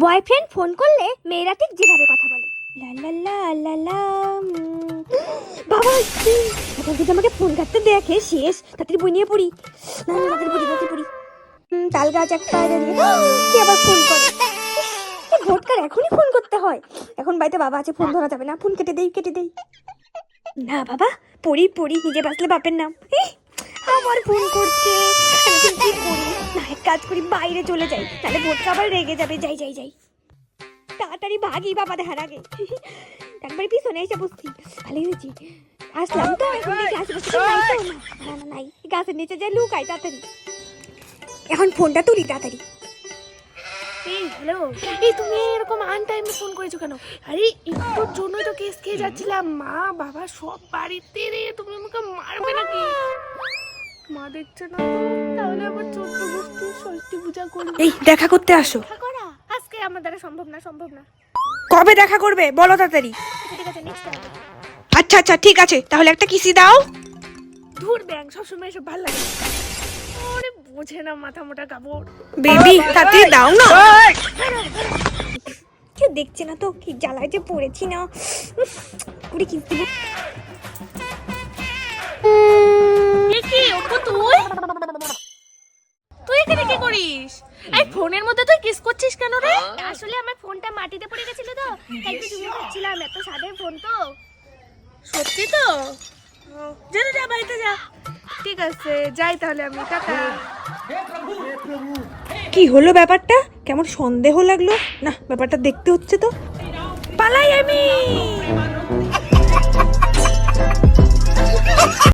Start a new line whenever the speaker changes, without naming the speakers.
Boyfriend phone করলে মেয়েরা ঠিক যেভাবে কথা বলে, লা লা লা লা লা। বাবা এখন যদি আমাকে ফোন কাটতে দেখে শেষ, তাড়াতাড়ি বই নিয়ে পড়ি, না না তাড়াতাড়ি পড়ি। তাল গাছ একটা কি আবার ফোন করে, ভোটকার এখনই ফোন করতে হয়। এখন বাড়িতে বাবা আছে, ফোন ধরা যাবে না, ফোন কেটে দেই। না বাবা, পড়ি নিজে বাঁচলে বাপের নাম। আমার ফোন করছে, আমি এখন কি করি? না এক কাজ করি, বাইরে চলে যাই, তাহলে ভোটকা আবার রেগে যাবে। যাই তাড়াতাড়ি ভাগি বাবা দেখার আগে। একবার পিছনে এসে বসছি, ভালোই হয়েছি আসলাম তো। এখন দেখি আশেপাশে নাই, গাছের নিচে যাই লুকাই তাড়াতাড়ি। এখন ফোনটা তুলি তাড়াতাড়ি।
এই হ্যালো, এই তুমি এরকম আনটাইমে ফোন করেছো কেন? আরে একটুর জন্যই তো কেস খেয়ে যাচ্ছিলাম, মা বাবা সব বাড়িতে রে। তুমি আমাকে মারবে নাকি? মা দেখছে না তো, তাহলে আবার 14 গোষ্ঠী ষষ্ঠী পূজা করবে।
এই দেখা করতে আসো।
দেখা করা আজকে আমার দ্বারা সম্ভব না।
কবে দেখা করবে বলো তাড়াতাড়ি।
ঠিক আছে নেক্সট টাইম।
আচ্ছা ঠিক আছে, তাহলে একটা কিসি দাও।
ধুর ব্যাং, সবসময় এসব ভালো লাগে। আরে বোঝে না মাথা মোটা কাপড়।
বেবি তাড়াতাড়ি দাও না।
কেউ দেখছে না তো, কি জ্বালায় যে পড়েছি না। পুরি কিস দিব।
কি ওপো তুই এখানে কি করিস? এই ফোনের মধ্যে তুই কিস করছিস কেন রে?
আসলে আমার ফোনটা মাটিতে পড়ে গেছিল তো, তাই তো চুরি করছিলাম। এত সাদের ফোন তো।
সত্যি তো? যা বাড়িতে যা। ঠিক আছে যাই তাহলে আমি, টাটা।
কি হলো ব্যাপারটা? কেমন সন্দেহ লাগলো না, ব্যাপারটা দেখতে হচ্ছে তো।
পালাই আমি।